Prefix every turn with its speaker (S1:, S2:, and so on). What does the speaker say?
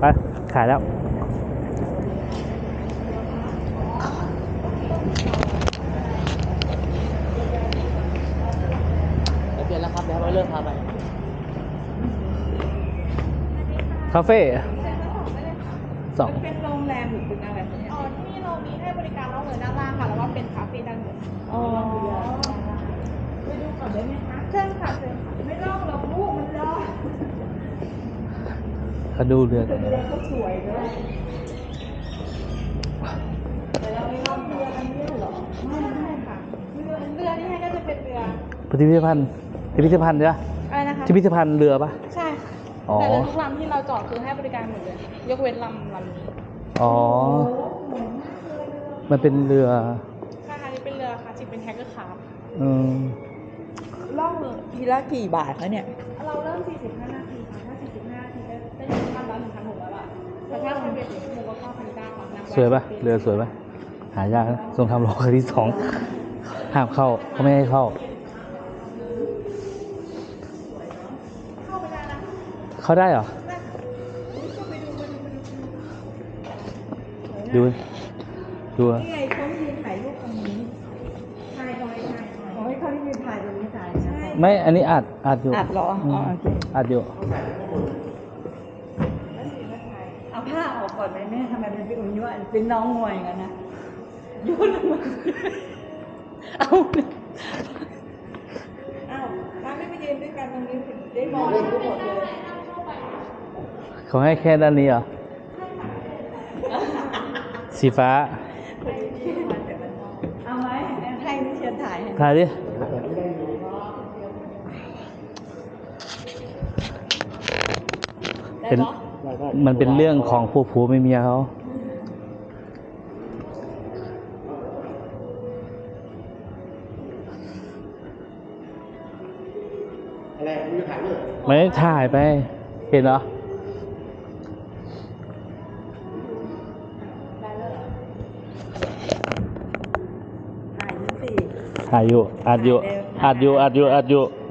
S1: ไปขายแล้ว
S2: เปลี่ยนแล้วครับเดี๋ยวเราเลิกพาไป
S1: คาเฟ่สอง
S3: เป็นโรงแรมหรือเป็นอะไรคะเนี่ย
S4: อ๋อที่นี่เรามีให้บริการนอกเหนือด้านล่างค่ะ แล้วก็เป็นคาเฟ่ด้านบน
S3: อ๋อไปดูก่อนได้ไหมคะ
S4: เชิญค่ะเชิญค่ะ
S3: ไม่ลอกหรอกลูกมันลอก
S1: เขาดูเรือกัน
S3: เรือเขาสวยด้วยแต่เราไม่ลอกเรือกันเนี่ยหรอไม่ค่ะ
S4: เรือที่ให้ก็จะเป็นเรือ
S1: พิพิธภัณฑ์ใช่ไหม
S4: อะไรนะคะ
S1: พิพิธภัณฑ์เรือปะ
S4: ใช่ค่ะ
S1: อ๋อ
S4: แต่เรือทุกลำที่เราจอดคือให้บริการหมดเลย ยกเว้นลำนี้
S1: อ๋อ มันเป็นเรือ
S4: ใช่ค่ะนี่เป็นเรือค่ะจิเป็นแฮกเกอร์คาร์
S1: อืม
S3: ล่องทีละกี่บาทคะเนี่ย
S4: เราเริ่ม 45 นาทีค่ะ ถ้า 45 นาทีได้1,000 ละ 1,600 บาทแต่ถ้าเป็นเรือ1ชั่วโมงก็ 9,900 ค่ะนั่ง
S1: สวยปะเรือสวยปะหายากนะทรงทำรอครั้งที่สองห้ามเข้าเขาไม่ให้เข้า
S4: เข้าไปได้นะ
S1: เข้าได้เหรอ ดู ดูอะ
S3: นี่ไงเขายืนถ่ายรูปตรงนี้ถ่ายตรงไหนถ่ายขอให้เขาที่ยืนถ่ายตรงนี้ถ่ายนะ
S1: ไม่ อันนี้อัดอยู่
S3: อัดเหรออ๋อโอเค
S1: อัดอยู่
S3: เอาผ้าออกก่อนไหมแม่ทำไมมันเป็นอย่างนี้วะเป็นน้องงวยกันนะโยนลงมาเอาอ้าวถ้าไม่ไปยืนด้วยกันตรงนี้ได้มองเห็นทุกหมดเลย
S1: เขาให้แค่ด้านนี้เหรอ สีฟ้า
S3: เอาไหมให้นิเชียนถ่ายให้
S1: ถ่ายดิ เป็น มันเป็นเรื่องของผัวเมียเขา
S2: อะไรมึงจะถ่ายรูป
S1: ไม่ได้ถ่ายไป เห็นเหรอ
S3: ถ่ายนี่สิ
S1: ถ่ายอยู่ อัดอยู่ อัดอยู่